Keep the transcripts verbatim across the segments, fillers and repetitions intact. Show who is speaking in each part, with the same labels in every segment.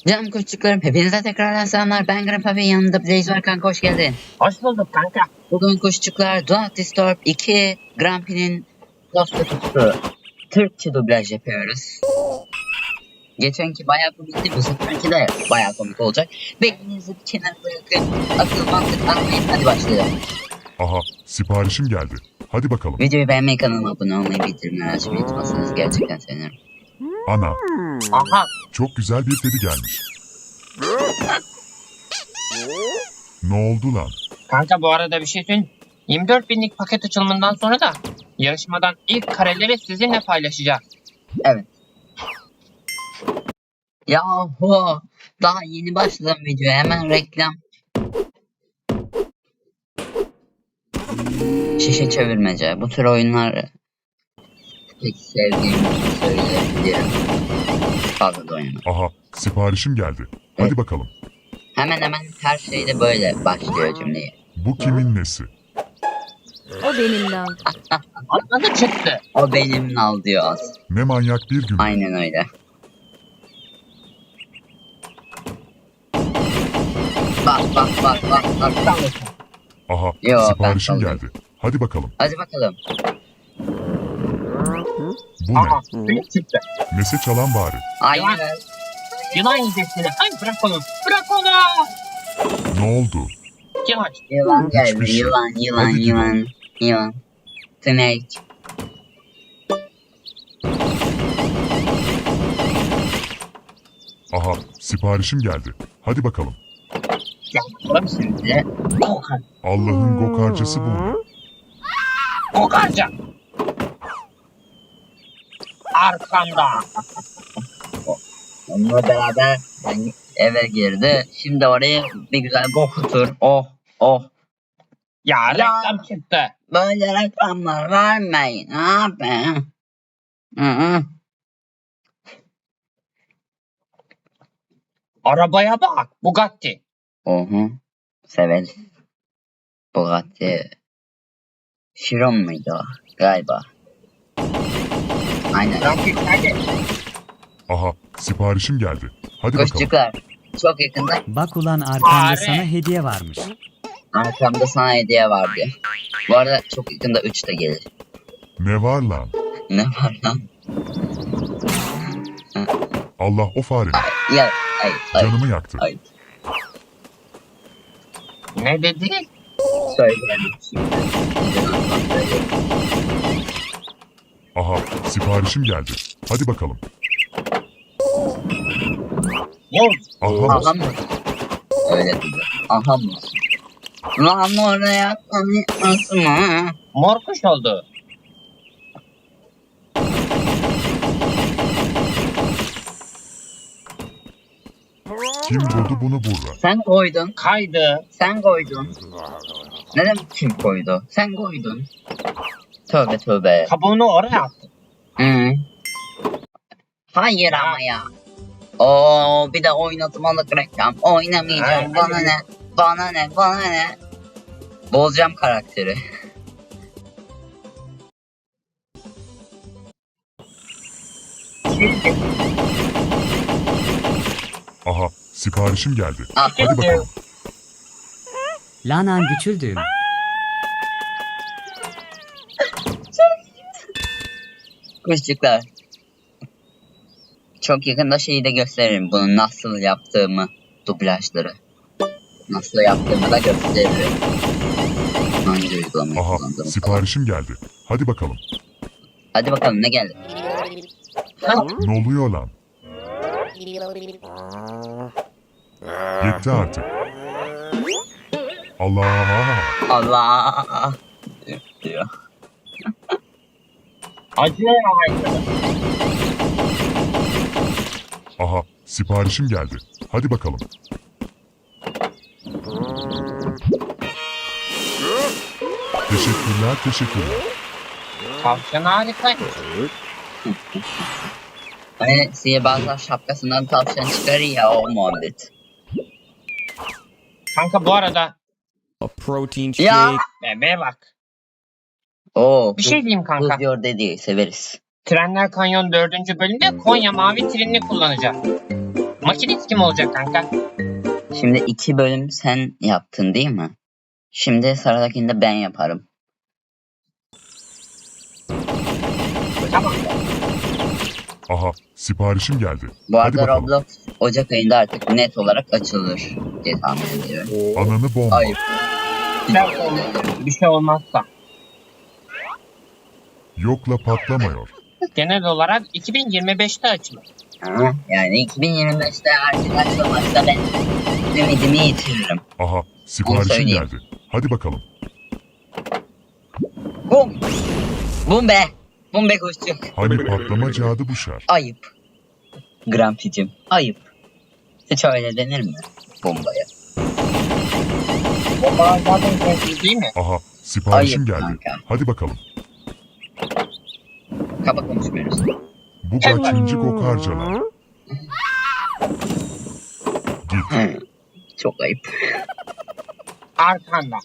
Speaker 1: Canım küçüklerim, hepinize tekrardan selamlar. Ben Grandpa ve yanımda Blaze var kanka, hoş geldin.
Speaker 2: Hoş bulduk kanka.
Speaker 1: Bugün küçükler Do Not Disturb iki Grumpy'nin Post Kutusu Türkçe dublaj yapıyoruz. Geçenki bayağı komikti, bu seferki de bayağı komik olacak. Beyninizi bir kenara bırakın, akıl mantık anlayın, hadi başlayalım.
Speaker 3: Aha, siparişim geldi. Hadi bakalım.
Speaker 1: Videoyu beğenmeyi, kanalıma abone olmayı, bildirimleri açmayı unutmazsanız gerçekten sevinirim.
Speaker 3: Ana,
Speaker 2: Aha.
Speaker 3: çok güzel bir kedi gelmiş. Ne oldu lan?
Speaker 2: Kanka bu arada bir şey söyleyeyim. yirmi dört binlik paket açılımından sonra da yarışmadan ilk kareleri sizinle paylaşacağız.
Speaker 1: Evet. Yahu, daha yeni başladım videoya, hemen reklam. Şişe çevirmece, bu tür oyunlar pek sevdiğimi söyleyebilirim. Fazla da oynamam.
Speaker 3: Aha, siparişim geldi. Hadi
Speaker 1: Evet.
Speaker 3: bakalım.
Speaker 1: Hemen hemen her şeyde böyle başlıyor cümleyi.
Speaker 3: Bu kimin nesi?
Speaker 4: O benim lan.
Speaker 2: Adı çıktı.
Speaker 1: O benim nal diyor az.
Speaker 3: Ne manyak bir gün.
Speaker 1: Aynen öyle. Bak bak bak bak bak.
Speaker 3: Aha,
Speaker 1: Yo, ben
Speaker 3: siparişim
Speaker 1: kaldım.
Speaker 3: geldi. Hadi bakalım.
Speaker 1: Hadi bakalım.
Speaker 3: Bu ne?
Speaker 2: Aha. Büyük çıktı.
Speaker 3: Nesi çalan bari?
Speaker 1: Aynen.
Speaker 2: Yılan yiyeceksiniz. Ay bırak onu. Bırak onu.
Speaker 3: Ne oldu?
Speaker 2: Kim aç?
Speaker 1: Yılan geldi.
Speaker 3: Hiçbir şey.
Speaker 1: Yılan yılan
Speaker 3: Hadi
Speaker 1: yılan. Yılan. Snake.
Speaker 3: Aha, siparişim geldi. Hadi bakalım.
Speaker 2: Gel bakalım şimdi. Kokar.
Speaker 3: Allah'ın gokarcısı bu.
Speaker 2: Kokarca. Arkamda.
Speaker 1: Onunla beraber ben eve girdi. Şimdi orayı bir güzel kokutur. Oh oh.
Speaker 2: Ya reklam çıktı.
Speaker 1: Böyle reklamlar vermeyin abi. Hı hı.
Speaker 2: Arabaya bak. Bugatti.
Speaker 1: Ohu. Severiz. Bugatti. Chiron muydu o? Galiba. Aynen.
Speaker 2: Rakip hadi.
Speaker 3: Aha, siparişim geldi. Hadi bakalım.
Speaker 1: Kuşçuklar. Çok yakında
Speaker 5: Bak ulan arkamda
Speaker 2: Fare.
Speaker 5: sana hediye varmış.
Speaker 1: arkamda sana hediye var diyor. Bu arada çok yakında üç de gelir.
Speaker 3: Ne var lan?
Speaker 1: Ne var lan?
Speaker 3: Allah o farenin.
Speaker 1: Ya ay ay
Speaker 3: Canımı yaktı.
Speaker 1: ay.
Speaker 2: Ne dedi?
Speaker 1: Söyleyelim şimdi.
Speaker 3: Aha, siparişim geldi. Hadi bakalım.
Speaker 2: Yok.
Speaker 3: Aha,
Speaker 1: Aha mı? Öyle dedi. Aha mı? Lan oraya tanıtması mı?
Speaker 2: Mor kuş oldu.
Speaker 3: kim buldu bunu burra?
Speaker 1: Sen koydun.
Speaker 2: Kaydı.
Speaker 1: Sen koydun. Ne demek kim koydu? Sen koydun. Tövbe tövbe.
Speaker 2: Kabuğunu oraya attı.
Speaker 1: Hı. Hayır ama ya. Oo, bir de oynatmalık reklam. Oynamayacağım.
Speaker 2: Evet,
Speaker 1: Bana
Speaker 2: hadi.
Speaker 1: ne? Bana ne? Bana ne? Bozacağım karakteri.
Speaker 3: Aha, siparişim geldi.
Speaker 1: Ah,
Speaker 3: Hadi bakalım.
Speaker 5: Lanan güçüldüğüm.
Speaker 1: kuşçuklar. Çok yakında şeyi de gösteririm. Bunu nasıl yaptığımı. Dublajları. Nasıl yaptığımı da gösteririm. Hangi uygulamayı
Speaker 3: Aha,
Speaker 1: kullandığımı falan.
Speaker 3: siparişim geldi. Hadi bakalım.
Speaker 1: Hadi bakalım ne geldi?
Speaker 3: Ne oluyor lan? Yetti artık. Allah!
Speaker 1: Allah diyor.
Speaker 2: Acı aydı.
Speaker 3: Aha, siparişim geldi. Hadi bakalım. Teşekkürler, teşekkürler.
Speaker 2: Tavşan harikaymış.
Speaker 1: Hani sihirbazlar şapkasından tavşan çıkarır ya, o muhabbet.
Speaker 2: Kanka bu arada
Speaker 6: A protein
Speaker 1: Ya.
Speaker 6: shake.
Speaker 2: bebeğe bak.
Speaker 1: Oo,
Speaker 2: Bir şey diyeyim kanka.
Speaker 1: Buz diyor dediği severiz.
Speaker 2: Trenler Kanyon dördüncü bölümde Konya Mavi Treni'ni kullanacağız. Makinist kim olacak kanka?
Speaker 1: Şimdi iki bölüm sen yaptın değil mi? Şimdi sıradakini de ben yaparım.
Speaker 2: Tamam.
Speaker 3: Aha, siparişim geldi.
Speaker 1: Bu
Speaker 3: Hadi
Speaker 1: arada
Speaker 3: bakalım.
Speaker 1: Roblox Ocak ayında artık net olarak açılır diye tahmin ediyorum.
Speaker 3: Ananı bomba.
Speaker 1: Ayıp.
Speaker 2: Bir şey olmazsa.
Speaker 3: Yokla patlamıyor.
Speaker 2: Genel olarak iki bin yirmi beşte açılır.
Speaker 1: Ha, yani iki bin yirmi beşte artık açılmazsa ben ümidimi yitiririm.
Speaker 3: Aha,
Speaker 1: Onu
Speaker 3: siparişim
Speaker 1: söyleyeyim.
Speaker 3: geldi. Hadi bakalım.
Speaker 1: Bum! Bum be! Bum be kuşçuk.
Speaker 3: Hani patlama cadı bu şer.
Speaker 1: Ayıp. Grampicim, ayıp. Hiç öyle denir mi? Bombaya.
Speaker 2: Bombalar zaten sessiz değil mi?
Speaker 3: Aha, siparişim
Speaker 1: Ayıp
Speaker 3: geldi.
Speaker 1: kanka.
Speaker 3: Hadi bakalım.
Speaker 1: Kaba konuşmuyoruz.
Speaker 3: Bu kaçıncı kokarcalar? Git.
Speaker 1: Çok ayıp.
Speaker 2: Arkanda.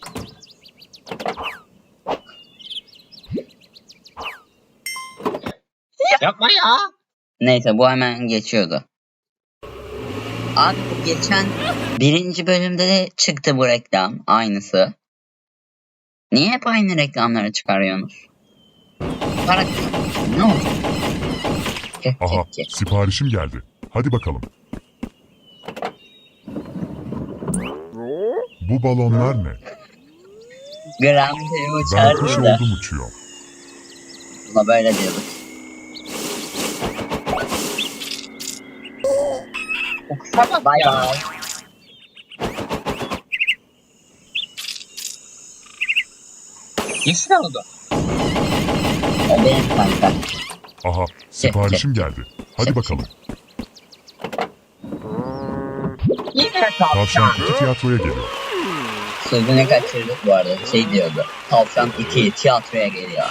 Speaker 2: Yapma ya.
Speaker 1: Neyse bu hemen geçiyordu. Abi bu geçen birinci bölümde de çıktı bu reklam. Aynısı. Niye hep aynı reklamları çıkarıyorsunuz? Para kazanıyorsun. Ne olacak? Ke,
Speaker 3: Aha,
Speaker 1: ke, ke.
Speaker 3: siparişim geldi. Hadi bakalım. Bu balonlar ne?
Speaker 1: Gram diye
Speaker 3: Ben kuş
Speaker 1: uçardı da.
Speaker 3: oldum uçuyor.
Speaker 1: Buna böyle diyorduk.
Speaker 2: O kısa bak
Speaker 1: Bay
Speaker 2: ya.
Speaker 1: bay.
Speaker 2: Yeşil oldu.
Speaker 1: O benim kanka.
Speaker 3: Aha, siparişim geldi. Hadi bakalım.
Speaker 2: Yine
Speaker 3: Tavşan
Speaker 2: tavşan.
Speaker 3: iki tiyatroya geliyor.
Speaker 1: Sözünü kaçırdık bu arada. Şey diyordu. Tavşan iki tiyatroya geliyor.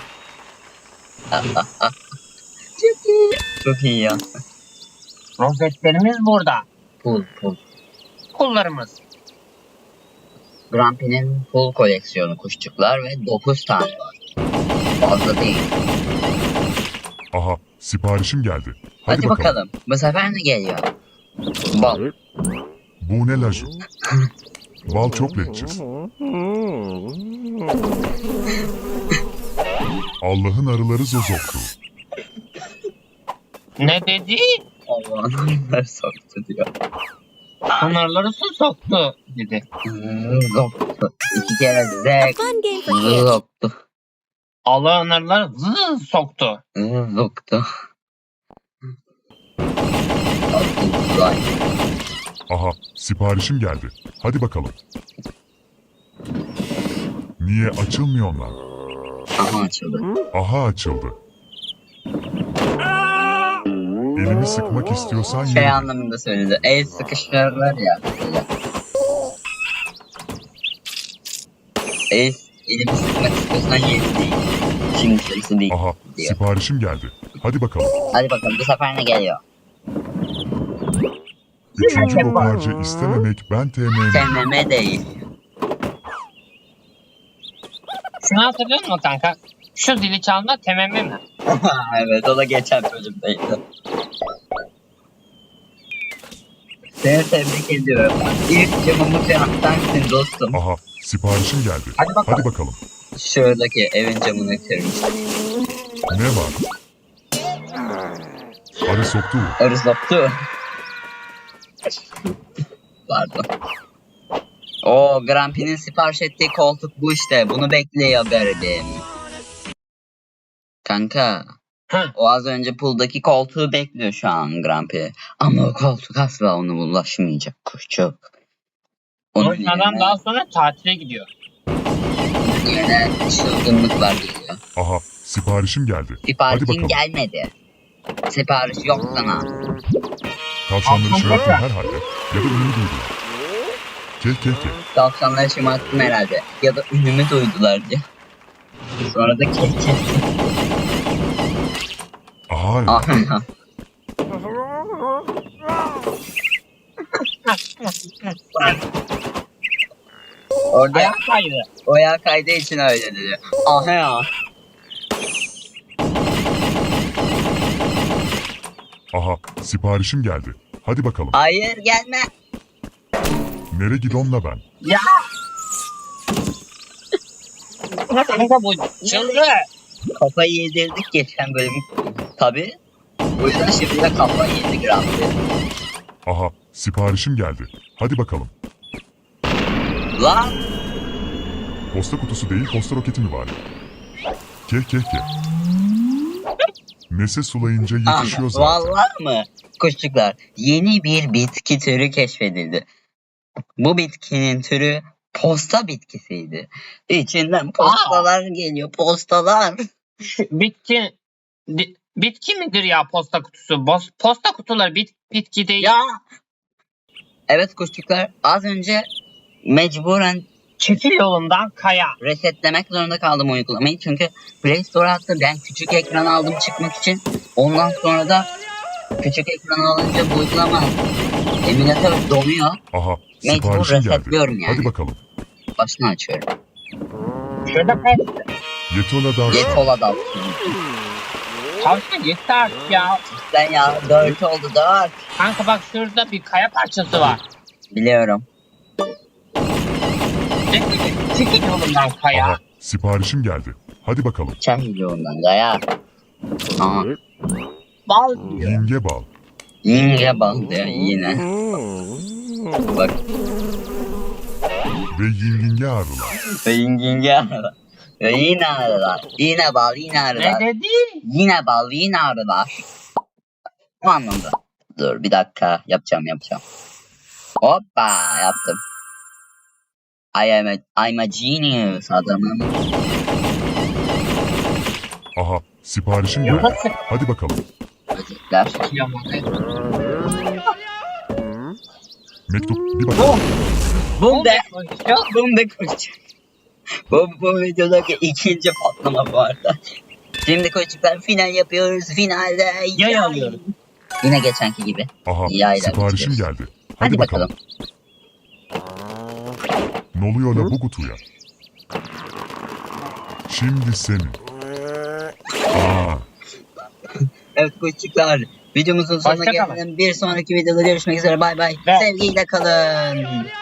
Speaker 1: Çok iyi. Çok iyi ya.
Speaker 2: Rozetlerimiz burada.
Speaker 1: Pul pul.
Speaker 2: Kullarımız.
Speaker 1: Grumpy'nin pul koleksiyonu kuşçuklar ve dokuz tane var. Fazla değil.
Speaker 3: Aha, siparişim geldi. Hadi,
Speaker 1: Hadi,
Speaker 3: bakalım.
Speaker 1: bakalım. Bu sefer ne geliyor? Bal.
Speaker 3: Bu ne laju? Bal çok leçiz. Allah'ın arıları zozoktu.
Speaker 2: Ne dedi?
Speaker 1: Allah'ın ver soktu diyor.
Speaker 2: Pınarları su soktu dedi.
Speaker 1: Zoktu. İki kere zek.
Speaker 4: Fun game for kids.
Speaker 1: Zoktu.
Speaker 2: Allah'ın arıları zı soktu.
Speaker 1: Zoktu. Zoktu.
Speaker 3: Aha, siparişim geldi. Hadi bakalım. Niye açılmıyor onlar?
Speaker 1: Aha açıldı.
Speaker 3: Aha açıldı. Elimi sıkmak istiyorsan
Speaker 1: Şey
Speaker 3: yürü.
Speaker 1: anlamında söyledi. El sıkıştırırlar ya. Böyle. El, elimi sıkmak istiyorsan yeri değil. Şimdi sırası değil
Speaker 3: Aha,
Speaker 1: diyor.
Speaker 3: siparişim geldi. Hadi bakalım.
Speaker 1: Hadi bakalım bu sefer ne geliyor?
Speaker 3: Üçüncü kokarca istememek ben T M M.
Speaker 1: Sevmeme değil.
Speaker 2: Şunu hatırlıyor musun kanka? Şu zili çalma tememme mi?
Speaker 1: Evet o da geçen bölümdeydi. Seni tebrik ediyorum. İlk camımı kıraklarsın dostum.
Speaker 3: Aha, siparişim geldi.
Speaker 2: Hadi bakalım.
Speaker 3: Hadi bakalım.
Speaker 1: Şuradaki evin camını kırmış.
Speaker 3: Ne var? Arı soktu.
Speaker 1: Arı soktu. Pardon. Oo, Grumpy'nin sipariş ettiği koltuk bu işte. Bunu bekliyor garibim. Kanka.
Speaker 2: Hı.
Speaker 1: O az önce puldaki koltuğu bekliyor şu an Grumpy. Ama o koltuk asla ona ulaşmayacak kuşçuk. Onun
Speaker 2: Onun adam
Speaker 1: yerine,
Speaker 2: daha sonra tatile gidiyor.
Speaker 1: yerine çılgınlıklar geliyor.
Speaker 3: Aha, siparişim geldi. Hadi
Speaker 1: Siparişin
Speaker 3: bakalım.
Speaker 1: gelmedi. Sipariş yok sana.
Speaker 3: Tavşanları şımarttım herhalde. Ya da ünlü duydular. Keh keh keh.
Speaker 1: Tavşanları şımarttım herhalde. Ya da ünümü duydular diye. Sonra da kek kek.
Speaker 3: Aha,
Speaker 1: Aha. Orada
Speaker 2: Ayak kaydı.
Speaker 1: o ayağı kaydığı için öyle dedi. Aha ya.
Speaker 3: aha, siparişim geldi. Hadi bakalım.
Speaker 1: Hayır gelme.
Speaker 3: Nere gidonla ben?
Speaker 2: Ya. Kanka bu çıldı.
Speaker 1: Kafayı yedirdik geçen bölüm. Tabi. O yüzden şimdi de kafayı yedi Grumpy.
Speaker 3: Aha, siparişim geldi. Hadi bakalım.
Speaker 1: Lan.
Speaker 3: Posta kutusu değil, posta roketi mi var? Keh keh keh. Nese sulayınca
Speaker 1: Ah,
Speaker 3: yetişiyor zaten.
Speaker 1: vallahi mı? Kuşçuklar, yeni bir bitki türü keşfedildi. Bu bitkinin türü posta bitkisiydi. İçinden postalar geliyor, postalar.
Speaker 2: Bitki di- bitki midir ya posta kutusu? Bos- posta kutuları bit bitki değil.
Speaker 1: Ya. Evet kuşçuklar, az önce mecburen
Speaker 2: Çekil yolundan kaya.
Speaker 1: resetlemek zorunda kaldım uygulamayı. Çünkü Play Store'a attı. Ben küçük ekran aldım çıkmak için. Ondan sonra da küçük ekran alınca bu uygulama emülatör donuyor.
Speaker 3: Aha,
Speaker 1: Mecbur
Speaker 3: siparişim geldi.
Speaker 1: resetliyorum yani.
Speaker 3: Hadi bakalım.
Speaker 1: Başını açıyorum.
Speaker 2: Şurada pes.
Speaker 3: Yetola da
Speaker 1: Yetola da.
Speaker 2: Tavşan yeter artık ya.
Speaker 1: Sen ya dört oldu dört.
Speaker 2: Kanka bak şurada bir kaya parçası var.
Speaker 1: Biliyorum.
Speaker 2: Çekil, çekil yolundan kaya.
Speaker 3: Aha, siparişim geldi. Hadi bakalım.
Speaker 1: Çay milyondan gaya. Aha.
Speaker 2: Bal diyor.
Speaker 3: Yinge bal.
Speaker 1: Yinge bal diyor yine. Bak.
Speaker 3: Ve yinginge arılar.
Speaker 1: Ve yinge arılar. Ve yine arılar. Yine bal yine
Speaker 2: Ne
Speaker 1: arılar.
Speaker 2: dedi?
Speaker 1: Yine bal yine arılar. Bu anlamda. Dur bir dakika yapacağım yapacağım. Hoppa yaptım. I am a, I'm a genius adamım.
Speaker 3: Aha, siparişim geldi.
Speaker 2: Nasıl
Speaker 3: Hadi bakalım.
Speaker 1: Böcekler.
Speaker 3: Mektup, bir bakalım.
Speaker 1: Bum de. Bum de koşacak. Bu, bu videodaki ikinci patlama bu arada. Şimdi koçuklar final yapıyoruz. Finalde
Speaker 2: Yay alıyoruz.
Speaker 1: Yine geçenki gibi.
Speaker 3: Aha,
Speaker 1: Yayla
Speaker 3: siparişim
Speaker 1: bitiriyoruz.
Speaker 3: geldi. Hadi,
Speaker 1: Hadi
Speaker 3: bakalım.
Speaker 1: bakalım.
Speaker 3: Ne oluyor la bu kutuya? Şimdi senin. Aa,
Speaker 1: Evet koçuklar. Videomuzun sonuna
Speaker 2: Hoşça kalın.
Speaker 1: gelelim. Bir sonraki videoda görüşmek üzere. Bay bay.
Speaker 2: Ve-
Speaker 1: Sevgiyle kalın.